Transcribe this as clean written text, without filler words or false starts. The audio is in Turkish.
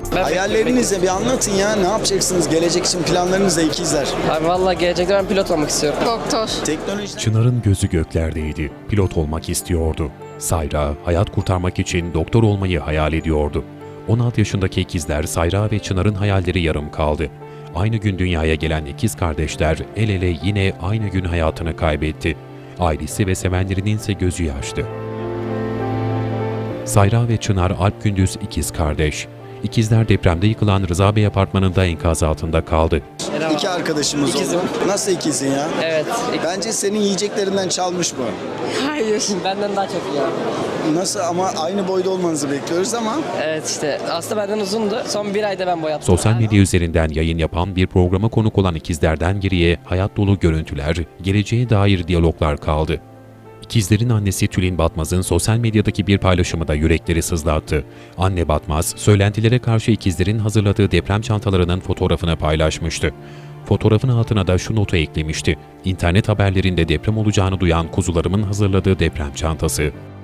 Hayallerinizi de bir anlatın ya. Ne yapacaksınız? Gelecek için planlarınız da ikizler. Abi valla gelecekte ben pilot olmak istiyorum. Doktor. Teknoloji... Çınar'ın gözü göklerdeydi. Pilot olmak istiyordu. Sayra, hayat kurtarmak için doktor olmayı hayal ediyordu. 16 yaşındaki ikizler Sayra ve Çınar'ın hayalleri yarım kaldı. Aynı gün dünyaya gelen ikiz kardeşler el ele yine aynı gün hayatını kaybetti. Ailesi ve sevenlerinin ise gözü yaşlı. Sayra ve Çınar Alp Gündüz ikiz kardeş. İkizler depremde yıkılan Rıza Bey apartmanında enkaz altında kaldı. İki arkadaşımız İkizim. oldu. Nasıl ikizin ya? Evet. Bence senin yiyeceklerinden çalmış bu. Hayır. Benden daha çok iyi abi. Nasıl ama aynı boyda olmanızı bekliyoruz ama Evet işte aslında benden uzundu. Son bir ayda ben boyattım. Sosyal medya üzerinden yayın yapan bir programa konuk olan ikizlerden geriye hayat dolu görüntüler, geleceğe dair diyaloglar kaldı. İkizlerin annesi Tülin Batmaz'ın sosyal medyadaki bir paylaşımı da yürekleri sızlattı. Anne Batmaz, söylentilere karşı ikizlerin hazırladığı deprem çantalarının fotoğrafını paylaşmıştı. Fotoğrafın altına da şu notu eklemişti: İnternet haberlerinde deprem olacağını duyan kuzularımın hazırladığı deprem çantası.